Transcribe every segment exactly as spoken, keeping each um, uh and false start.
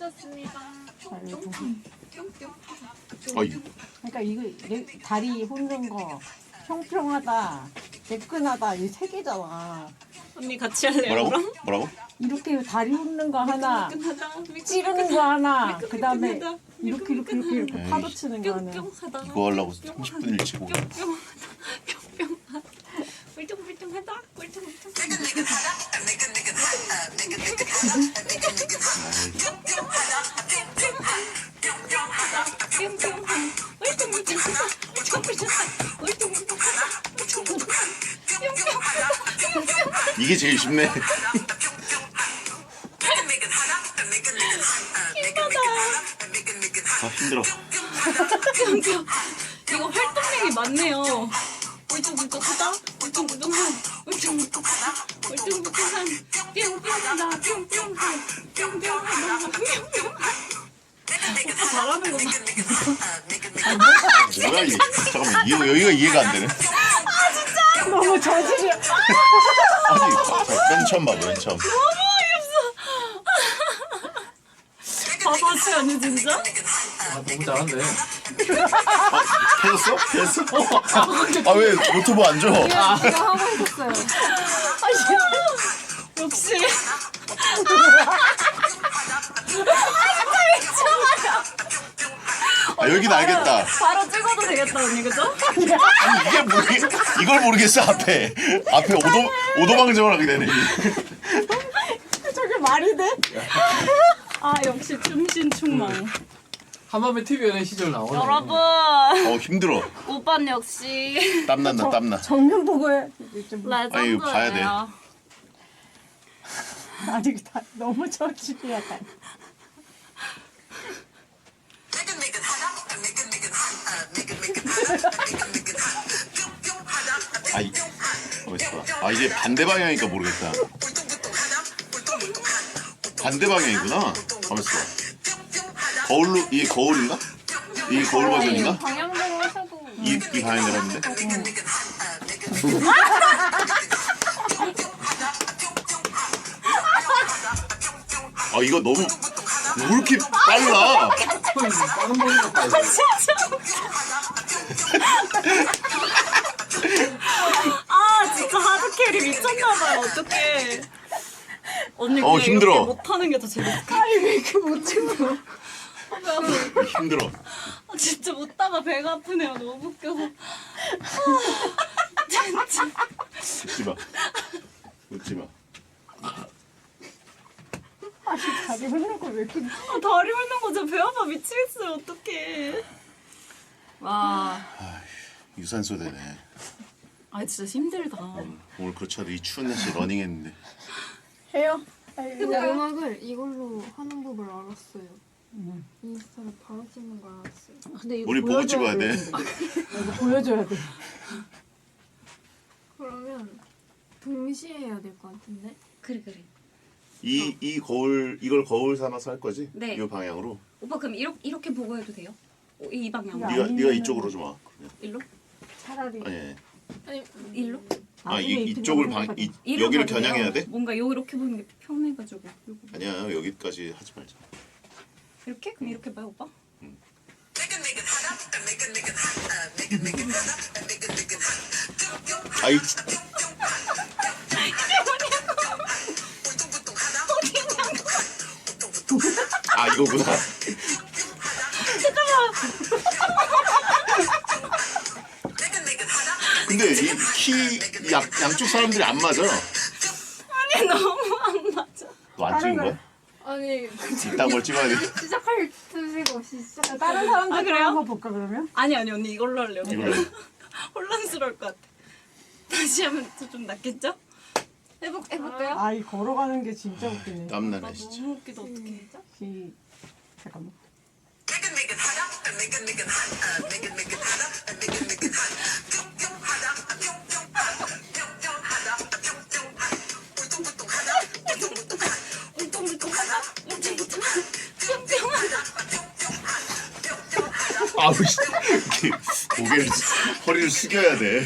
고맙습니다. 아이고. 어이. 그러니까 이거 내 다리 훑는 거 평평하다, 매끈하다 이 세 개잖아. 언니 같이 할래요? 뭐라고? 그럼? 뭐라고? 이렇게 다리 훑는 거 하나, 미끈하다. 미끈, 찌르는 거 하나, 미끈, 그 다음에 미끈하다. 이렇게 이렇게 이렇게 이렇게 에이. 파도 치는 거 하나. 뿅뿅하다. 이거 하려고 삼십 분 일찍 오고. 뿅뿅하다. 뿅뿅하다. 꿀뚱꿀뚱하다. 꿀뚱꿀뚱. 이게 제일 쉽네. 아 힘들어. 이거 활동량이 많네요. 울퉁불퉁하다, 울퉁불퉁한, 울퉁불퉁하다, 울퉁불퉁한, 뿅뿅하다, 뿅뿅한, 뿅뿅하다, 뿅뿅한. 오빠 잘하는구나. 뭐야 이게? 잠깐만 이, 여기가 이해가 안 되네. 너무 저질이야. 아니 맨 처음 봐, 맨 처음. 바보지 아니 진짜? 아 너무 잘한데. 해줬어? 해줬어? 아 왜 노트북 안 줘? 제가 하고 있었어요. 역시. 아 여긴 알겠다. 바로 찍어도 되겠다 언니 그죠? 아니 이게 모르겠 이걸 모르겠어 앞에 앞에 오도 오도방정을 하게 되네. 저게 말이 돼? 아 역시 충신충망. 한밤에 티비 연애 시절 나오네. 여러분 어 힘들어. 오빠는 역시 땀난다 땀나. 정면 보고 해. 좀 레전드예요. 아니, 이거 봐야 돼. 아직 다 너무 저질이야. 다. 아이 가만있어 봐. 아 이제 반대 방향이니까 모르겠다. 반대 방향이구나. 가만있어 봐. 거울로 이게 거울인가? 이게 거울 버전인가? 방향대로 하셔도 이, 이 방향대로 하는데? 아 이거 너무 왜 이렇게 빨라? 빠른 머리 같다. 아 진짜 하드캐리 미쳤나봐요 어떡해. 언니 어, 그냥 힘들어. 이렇게 못하는 게 더 재밌어. 아니 왜 이렇게 못 찍어? 힘들어. 아, 진짜 못다가 배가 아프네요. 너무 웃겨서. 아, 진짜. 웃지 마. 웃지 마. 아니 다리 훑는 거왜 이렇게? 아, 다리 훑는 거 진짜 배 아파 미치겠어요. 어떡해. 와. 유산소 되네. 아 진짜 힘들다. 오늘 그렇지 않아도 이 추운 날씨에 러닝했는데. 해요? 근데 음악을 이걸로 하는 법을 알았어요. 음. 인스타를 바로 찍는 걸 알았어요. 근데 이거 우리 보고 보여줘야 찍어야 돼. 이거 보여줘야 돼. 그러면 동시에 해야 될 것 같은데? 그래 그래. 이, 이 거울, 이걸 거울 삼아서 할 거지? 네. 이 방향으로. 오빠 그럼 이렇게 이렇게 보고 해도 돼요? 어, 이 방향으로. 야. 네가 아니면은- 네가 이쪽으로 좀 와. 그냥. 일로? 차라리 아니, 아니. 아니 일로? 아, 나중에 이, 이렇게 이쪽을 넘어가야 방, 돼. 이, 이로 여기를 가도 돼요? 겨냥해야 돼? 뭔가 요 이렇게 보는 게 편해가지고. 요거. 아니야, 여기까지 하지 말자. 이렇게? 그럼 이렇게 봐요 오빠? 아이. 아 이거구나. 근데 이 키 양쪽 사람들이 안 맞아. 아니 너무 안 맞아. 너 안 찍은 거야? 아니 이딴 걸 찍어야 돼. 시작할 뜻이 없이 시작. 다른 사람들 아, 그래요? 한번 볼까 그러면? 아니 아니 언니 이걸로 할래요. 이걸로 해. 혼란스러울 것 같아. 다시 하면 또 좀 낫겠죠? 해볼 해볼까요? 아이 걸어가는 게 진짜 웃기네. 땀나네 진짜. 너무 웃기다 어떡해. 시 잠깐만. 아우 씨. 이렇게 고개를 허리를 숙여야 돼.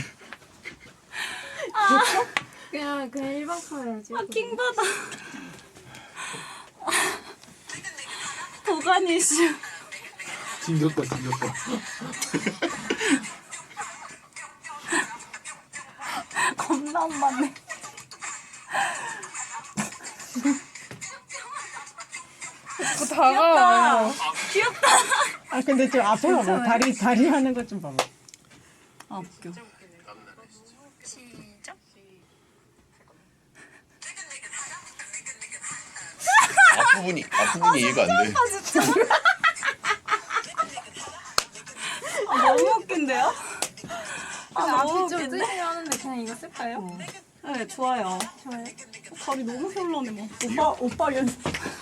그냥 그냥 일반 카메라 찍어. 아 킹받아. 구간 이슈. 징겼다 징겼다. 겁나 안 맞네. 다가와요. 귀엽다. 아 근데 좀 앞에 봐봐. 다리 다리 하는 것 좀 봐봐. 아 웃겨. 앞부분이 앞부분이 이해가 안 돼. 아, 너무 웃긴데요? 아 너무 앞이 좀 웃긴데? 뜨긴 하는데 그냥 이거 쓸까요? 네 좋아요. 좋아요. 다리 너무 별로네 뭐. 오빠 오빠 연습.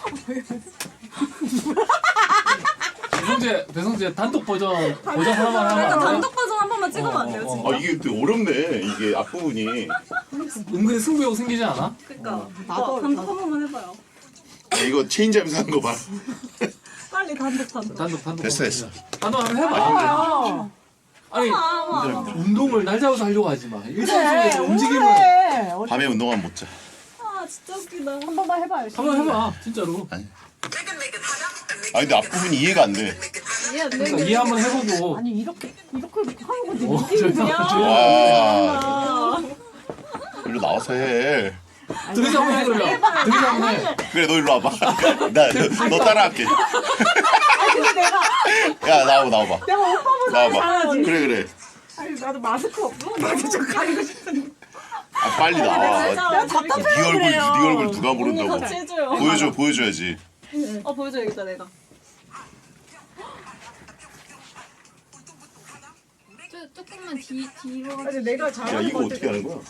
배성재 배성재 단독 버전 버전 하나만 하면 일단 안 돼요? 단독 버전 한 번만 찍으면 안 돼요 어, 어, 진짜? 아 이게 되게 어렵네. 이게 앞부분이. 은근히 승부욕 생기지 않아? 그니까 나도- 오빠 단독 나도- 한 번만 해봐요. 야, 이거 체인지하면서 하는 거 봐. 빨리 단독 단독. 단독 단독 됐어, 됐어. 단독 한번 해봐. 아, 아니 아, 운동을 날 잡아서 하려고 하지 마. 일상 그래. 속에서 움직임을 그래. 어, 밤에 운동하면 못 자. 아 진짜 웃기다. 한 번만 해봐요. 한번 해봐 진짜로. 아니. 아 근데 앞부분이 이해가 안 돼. 이해 안 그러니까 되는데. 이해 한번 해보고. 아니 이렇게 이렇게 하는 건데 어, 느낌이 저기- 그냥. 저기- 와. 아, 일로 나와서 해. 들이서 한번 해 그러면. 들이서 한번 해. 그래 너 일로 와봐. 나 너 따라할게. 근데 내가 야 나와봐 나와봐. 내가 오빠보다 나와봐. 잘하지. 그래 그래. 아니 나도 마스크 없어. 나도 좀 가리고 싶은데. 아 빨리 나와. 진짜 답답해. 네 얼굴 네 얼굴 누가 언니 모른다고. 같이 해줘요. 보여줘 보여줘야지. 어 보여줘야겠다 내가. 조, 조금만 뒤, 뒤로. 아니 내가 야 잘하는 이거 어떻게 하는 거야?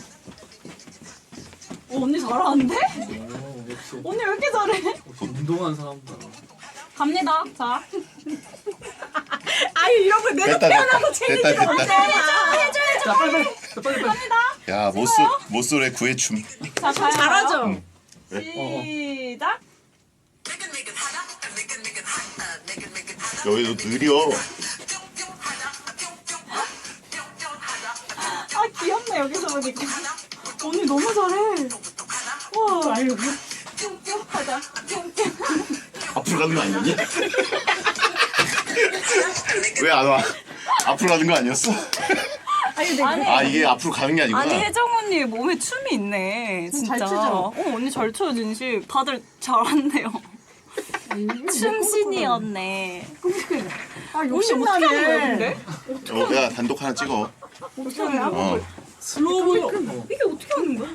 어 언니 잘하는데? 오, 역시 언니 왜 이렇게 잘해? 역시 운동한 사람다. 갑니다. 자. 아니 이런 거 내가 됐다 됐다 태어나서 됐다 챙기지가 됐다. 않잖아. 자 빨리 빨리 자, 빨리 빨리. 야 모쏠 모쏠의 구애춤. 자 가요. 잘하죠. 응. 시작. 여기도 느려. 아 귀엽네 여기서 보니까. 언니 너무 잘해. 와. 아유 뿅뿅하다. 뿅뿅. 앞으로 가는 거 아니었니? 왜 안 와? 앞으로 가는 거 아니었어? 아니 내가 아니. 아 이게 앞으로 가는 게 아니구나. 아니 혜정 언니 몸에 춤이 있네 진짜. 잘 추죠? 어 언니 잘 춰요 진실. 다들 잘한대요. 춤신이었네. 아 언니 어떻게 하는 거야 욕심나네. 근데? 어, 야 단독 하나 찍어. 어떻게 하는 거야? 어. 슬로우 보여. 이게 어떻게 하는 거야?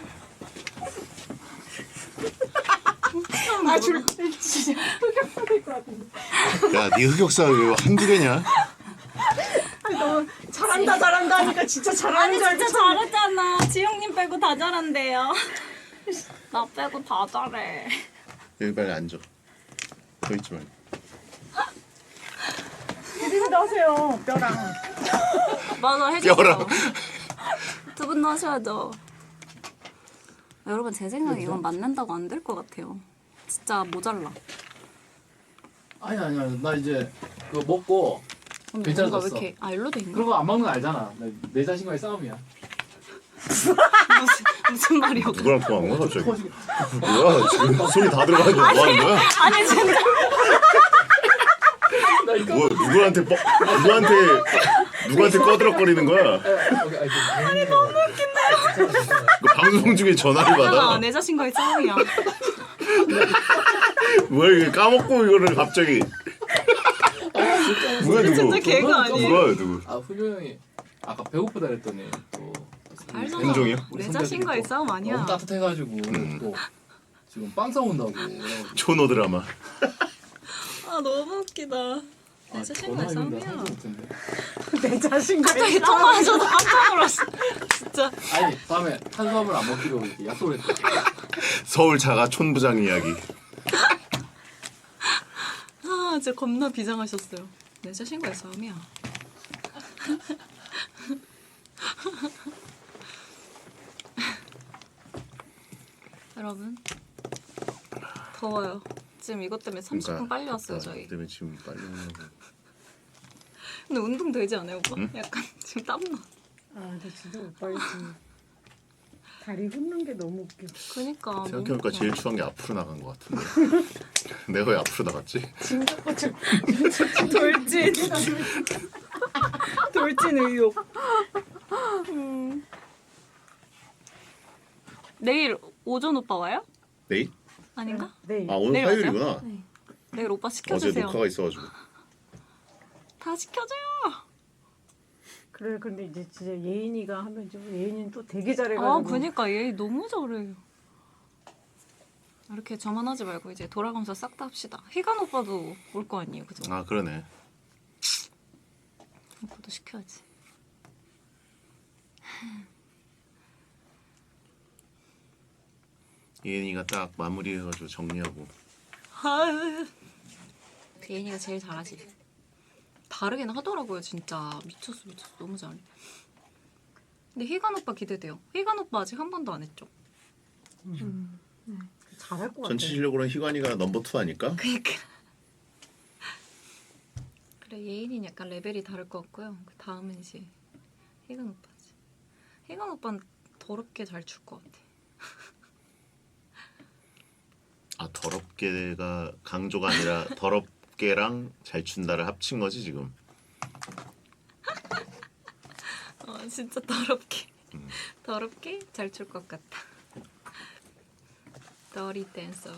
아 줄 진짜 흑역사 될것 같은데. 야, 네 흑역사 왜 한두 개냐? 아니 너무 잘한다 잘한다 하니까 진짜 잘하는 아니 줄 알고 진짜 잘했잖아. 지영님 빼고 다 잘한대요. 나 빼고 다 잘해. 여기 빨리 앉아. 서 있지 말고. 드림도 하세요 뼈랑. 맞아 해줘. 뼈랑. 두 분도 하셔야죠. 여러분 제 생각에 이건 맞는다고 안 될 것 같아요. 진짜 모자라. 아니 아니 아니 나 이제 그거 먹고 언니 괜찮아졌어. 뭔가 왜 이렇게 아 일로 돼 있나? 그런 거 안 먹는 거 알잖아. 나- 내 자신과의 싸움이야. 무슨 무슨 말이야? 누구랑 통화한 거야 갑자기? 뭐야 지금 손이 다 들어가는데 뭐 하는 거야? 아니 진짜 나 이거 뭐 누구한테 뻐, 누구한테 누구한테 꺼드럭거리는 거야? 아니 너무 너 방송 중에 전화를 아, 받아? 내 자신과의 싸움이야. 뭐야 이게 까먹고 이거를 갑자기? 누가 누구? 진짜 개가 아니에요. 누가요 누구? 아 훈io 형이 아까 배고프다 그랬더니 또 알잖아. 행정이요? 우리 내 선배들이 자신과의 또 싸움 아니야. 너무 따뜻해가지고 음. 또 지금 빵 싸운다고. 그래가지고 초노 드라마. 아 너무 웃기다. 내 아, 자신과의 전화했는데 싸움이야. 하나도 못했네. 내 자신과. 갑자기 통화하셔서 깜짝 놀랐어. 진짜. 아니 다음에 탄수화물 안 먹기로 이렇게 약속을 했다. 서울 자가 촌부장 이야기. 아 진짜 겁나 비장하셨어요. 내 자신과의 싸움이야. 여러분 더워요. 지금 이것 때문에 삼십 분 빨리 왔어요 저희. 그러니까 때문에 지금 빨리 오는 거. 근데 운동 되지 않아요 오빠? 응? 약간 지금 땀나. 아나 진짜 오빠 지금 다리 훑는 게 너무 웃겨. 그니까 너무 생각해보니까 웃겨. 제일 추한 게 앞으로 나간 것 같은데. 내가 왜 앞으로 나갔지? 진짜까지. 돌진 돌진 의욕. 음. 내일 오전 오빠 와요? 내일? 아닌가? 네. 아 오늘 내일 화요일이구나. 네. 내일 오빠 어제 시켜주세요. 녹화가 있어가지고. 다 시켜줘요. 그래 근데 이제 진짜 예인이가 하면 좀 예인이는 또 되게 잘해가지고. 아 그니까 얘 너무 잘해. 이렇게 저만 하지 말고 이제 돌아가면서 싹 다 합시다. 희간 오빠도 올 거 아니에요, 그죠? 아 그러네. 오빠도 시켜야지. 예은이가 딱 마무리해가지고 정리하고. 예인이가 제일 잘하지. 다르긴 하더라고요, 진짜. 미쳤어, 미쳤어. 너무 잘해. 근데 희간 오빠 기대돼요. 희간 오빠 아직 한 번도 안 했죠? 음. 잘할 것 같아. 전체 실력으로는 희관이가 넘버 투 아닐까? 그니까. 그래, 예인이는 약간 레벨이 다를 것 같고요. 그 다음은 이제 희간 오빠지. 희간 오빠는 더럽게 잘 출 것 같아. 아 더럽게가 강조가 아니라 더럽게랑 잘 춘다를 합친 거지 지금. 어, 진짜 더럽게. 더럽게 잘 출 것 같다. 더리 댄서.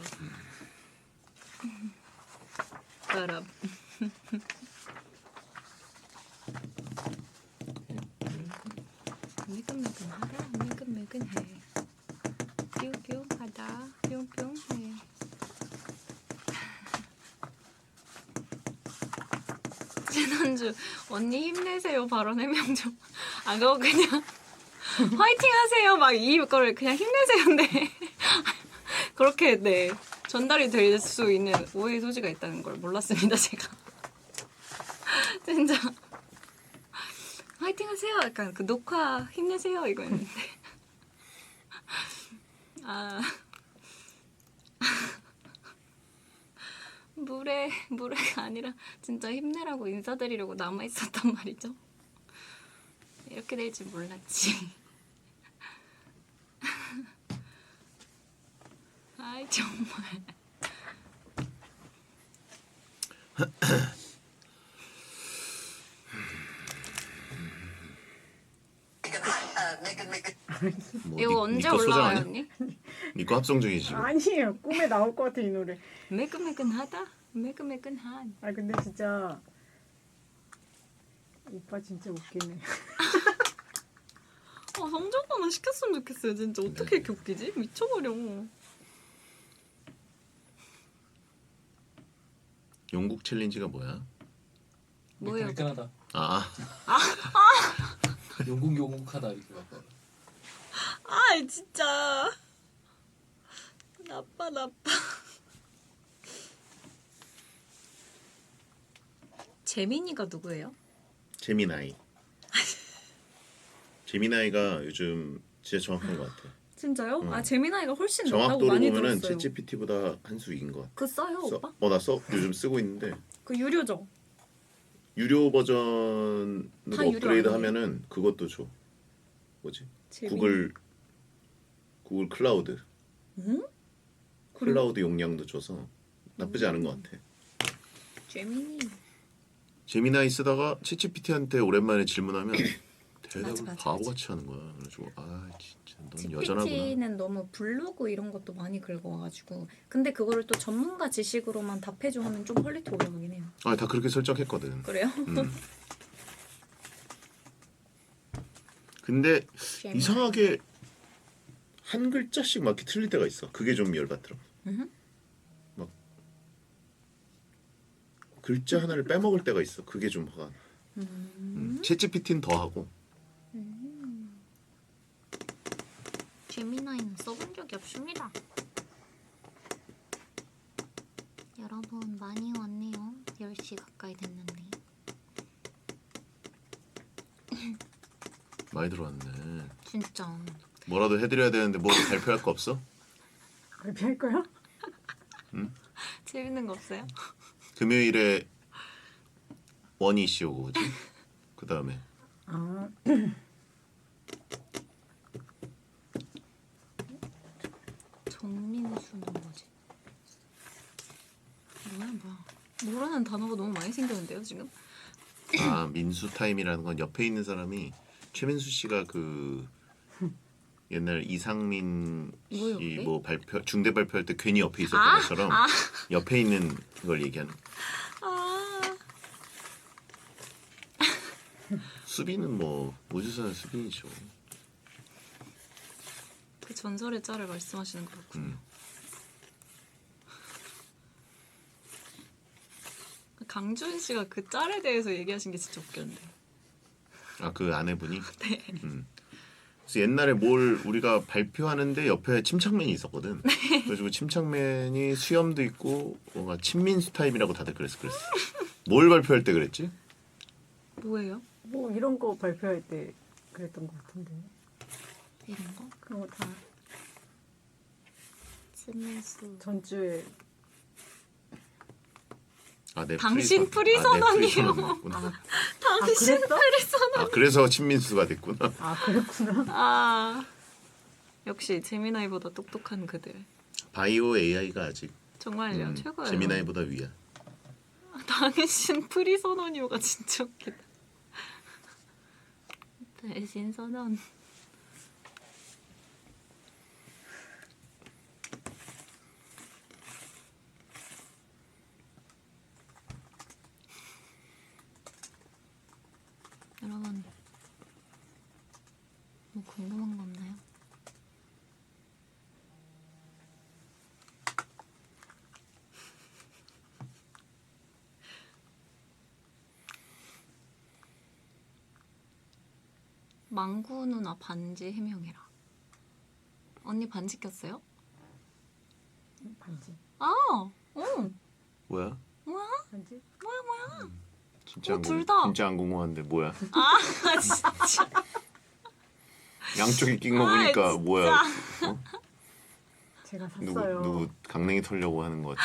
더럽. 매끈매끈하다. 매끈매끈해. 뿅뿅하다. 뿅뿅해. 지난주 언니 힘내세요 발언 해명 좀. 아 그거 그냥 화이팅 하세요 막 이거를 그냥 힘내세요인데 그렇게 네 전달이 될 수 있는 오해의 소지가 있다는 걸 몰랐습니다 제가. 진짜 화이팅 하세요 약간 그 녹화 힘내세요 이거였는데 아 물에 물에가 아니라 진짜 힘내라고 인사드리려고 남아 있었단 말이죠. 이렇게 될 줄 몰랐지. 아이 정말. 뭐 이거 니- 언제 니꺼 소장 올라와요 아니야? 언니? 니꺼 합성 중이지 지금. 아니에요. 꿈에 나올 것 같아 이 노래. 매끈매끈하다. 매끈매끈한. 아 근데 진짜 오빠 진짜 웃기네. 아 성적만 시켰으면 좋겠어요. 진짜 어떻게 이렇게 웃기지? 미쳐버려. 영국 챌린지가 뭐야? 뭐예요? 매끈매끈하다. 아 용궁 용궁하다 이렇게 바꿔. 아 진짜 나빠 나빠. 재민이가 누구예요? 제미나이. 제미나이가 요즘 진짜 정확한 것 같아. 진짜요? 응. 아 재민아이가 훨씬 낫다고 정확도로 많이 보면은 들었어요. 챗지피티보다 한 수 이긴 것 같아. 그 써요 오빠? 어나 써 요즘 쓰고 있는데 그 유료죠? 유료 버전으로 다 유료 업그레이드 아니에요? 하면은 그것도 줘. 뭐지? 재민이. 구글 구글 클라우드. 응? 클라우드 용량도 줘서 나쁘지 않은 것 같아. 재민이. 제미나이 쓰다가 챗지피티한테 오랜만에 질문하면 대답을 맞아, 맞아, 바보같이 하는 거야. 그래가지고 아 진짜 넌 여전하구나. 지피티는 너무 블로그 이런 것도 많이 긁어와가지고 근데 그거를 또 전문가 지식으로만 답해줘 하면 좀 퀄리티 올라가긴 해요. 아 다 그렇게 설정했거든. 그래요? 음. 근데 재민아. 이상하게 한 글자씩 막 이렇게 틀릴 때가 있어. 그게 좀 열받더라. 음흠. 막 글자 하나를 빼먹을 때가 있어. 그게 좀 화가 나. 음. 챗지피티는 더 하고. 재미나이는 써본 적이 없습니다. 여러분 많이 왔네요. 열 시 가까이 됐는데. 많이 들어왔네. 진짜. 뭐라도 해드려야 되는데 뭐 발표할 거 없어? 발표할 거야? 재밌는 거 없어요? 금요일에 원 이슈 오고 그지? 그 다음에 아 정민수는 뭐지? 뭐야 뭐야? 모르는 단어가 너무 많이 생겼는데요 지금? 아 민수 타임이라는 건 옆에 있는 사람이 최민수 씨가 그 옛날 이상민 뭐요, 씨 그게? 뭐 발표 중대 발표할 때 괜히 옆에 있었던 아, 것처럼 아. 옆에 있는 걸 얘기하는. 아 수빈은 뭐 우주선 수빈이죠. 그 전설의 짤을 말씀하시는 거군요. 음. 강준 씨가 그 짤에 대해서 얘기하신 게 진짜 웃겼는데. 아 그 아내분이. 네. 음. 그래서 옛날에 뭘 우리가 발표하는데 옆에 침착맨이 있었거든. 네. 그래가지고 침착맨이 수염도 있고 뭔가 친민수 타입이라고 다들 그랬어 그랬어. 뭘 발표할 때 그랬지? 뭐예요? 뭐 이런 거 발표할 때 그랬던 것 같은데. 이런 거? 그런 거 다 스미스. 전주에 아, 내 당신 프리선. 아, 내 프리선언이요. 프리선언이었구나. 당신 그랬어? 프리선언. 아 그래서 친민수가 됐구나. 아 그랬구나. 아 역시 제미나이보다 똑똑한 그들. 바이오 에이아이가 아직 정말요 음, 최고예요. 제미나이보다 위야. 당신 프리선언이요가 진짜 웃기다. 대신 선언. 여러분 뭐 궁금한 거 없나요? 망구 누나 반지 해명해라. 언니 반지 꼈어요? 반지. 아, 어, 뭐야? 뭐야? 반지? 뭐야 뭐야? 진짜 어, 안 둘 궁- 다. 진짜 안 궁금한데 뭐야? 아 진짜. 양쪽에 낀 거 아, 보니까 진짜. 뭐야? 제가 누구 샀어요. 누구 강냉이 털려고 하는 거 같아.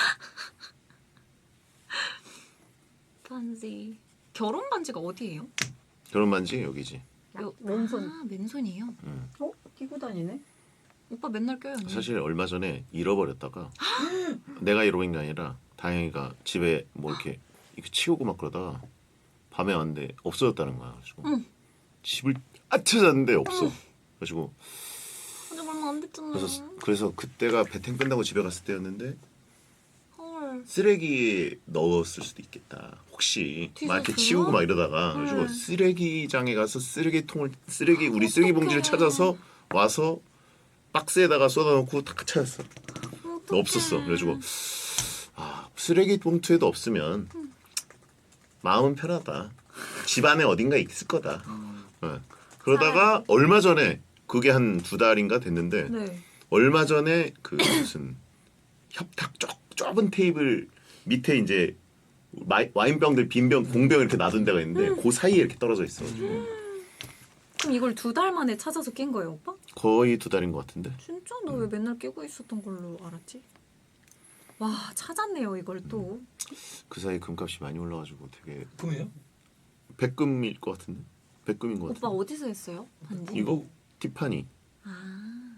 반지. 결혼 반지가 어디예요? 결혼 반지 여기지. 요- 왼손. 아 맨손이에요. 어? 끼고 다니네? 오빠 맨날 껴요. 언니. 사실 얼마 전에 잃어버렸다가 내가 잃어버린 게 아니라 다행이가 집에 뭐 이렇게 이렇게 치우고 막 그러다가 밤에 왔는데 없어졌다는 거야. 그래가지고 응. 집을 아 찾았는데 없어. 그래가지고 아직 얼마 안 됐잖아. 그래서 그래서 그때가 배탱 뺀다고 집에 갔을 때였는데 헐. 쓰레기에 넣었을 수도 있겠다. 혹시 막 이렇게 뒤졌어요? 치우고 막 이러다가 그래가지고 네. 쓰레기장에 가서 쓰레기통을 쓰레기 우리 쓰레기 어떡해. 봉지를 찾아서 와서 박스에다가 쏟아놓고 딱 찾았어. 어떡해. 없었어. 그래가지고 아 쓰레기 봉투에도 없으면 마음은 편하다. 집 안에 어딘가 있을 거다. 어. 그러다가 얼마 전에 그게 한 두 달인가 됐는데 네. 얼마 전에 그 무슨 협탁 좁, 좁은 테이블 밑에 이제 마이, 와인병들 빈병 공병 이렇게 놔둔 데가 있는데 그 사이에 이렇게 떨어져 있어가지고 그럼 이걸 두 달 만에 찾아서 낀 거예요, 오빠? 거의 두 달인 것 같은데. 진짜? 너 왜 맨날 끼고 있었던 걸로 알았지? 와 찾았네요 이걸 또. 그 사이 금값이 많이 올라가지고 되게 금이에요? 백금일 것 같은데. 백금인 것 오빠 같은데. 어디서 했어요? 반지? 이거 티파니. 아.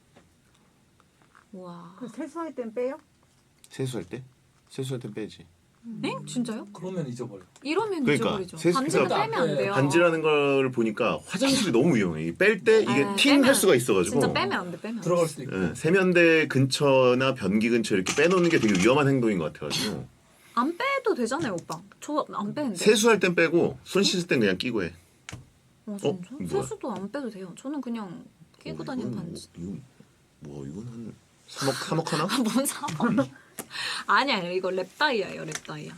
와. 그 세수할 땐 빼요? 세수할 때? 세수할 때 빼지. 네? 진짜요? 그러면 잊어버려. 이러면 그러니까, 잊어버리죠. 세수- 반지는 그러니까 빼면 안 돼요. 반지라는 걸 보니까 화장실이 너무 위험해. 뺄 때 이게 아, 팅 할 빼면- 수가 있어가지고. 진짜 빼면 안 돼, 빼면 안 돼. 들어갈 수도 있고. 예, 세면대 근처나 변기 근처 이렇게 빼놓는 게 되게 위험한 행동인 것 같아가지고. 안 빼도 되잖아요, 오빠. 저 안 빼는데. 세수할 땐 빼고 손 씻을 땐 그냥 끼고 해. 어, 진짜? 어? 뭐야? 세수도 안 빼도 돼요. 저는 그냥 끼고 어, 다니는 이건 반지. 뭐, 이건 뭐 이건 한 삼억 삼억 하나? 뭔 사람? 아니 아니 이거 랩다이아예요, 랩다이아.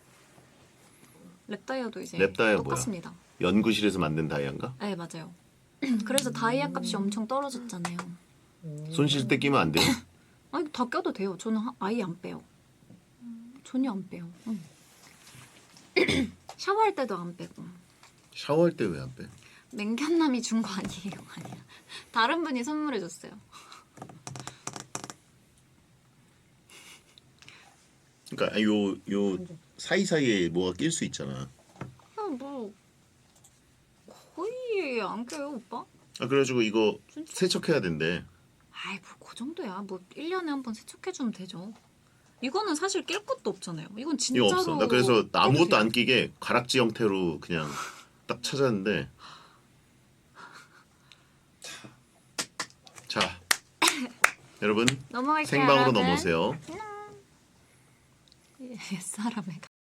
랩다이아도 이제 랩다이아 뭐야? 똑같습니다. 연구실에서 만든 다이아인가? 네 맞아요. 그래서 다이아 값이 엄청 떨어졌잖아요. 손 씻을 때 끼면 안 돼요? 아니 다 껴도 돼요. 저는 하- 아예 안 빼요. 전혀 안 빼요. 응. 샤워할 때도 안 빼고. 샤워할 때 왜 안 빼? 맹견남이 준 거 아니에요, 아니야. 다른 분이 선물해 줬어요. 그러니까 요요 사이 사이에 뭐가 낄 수 있잖아. 아, 뭐 거의 안 껴요, 오빠. 아 그래가지고 이거 진짜? 세척해야 된대. 아이 뭐 그 정도야. 뭐 일 년에 한 번 세척해주면 되죠. 이거는 사실 낄 것도 없잖아요. 이건 진짜로. 이거 없어. 나 그래서 아무것도 해도 돼요. 안 끼게 가락지 형태로 그냥 딱 찾았는데. 자, 여러분 넘어갈게요. 생방으로 여러분. 넘어오세요. 옛사람의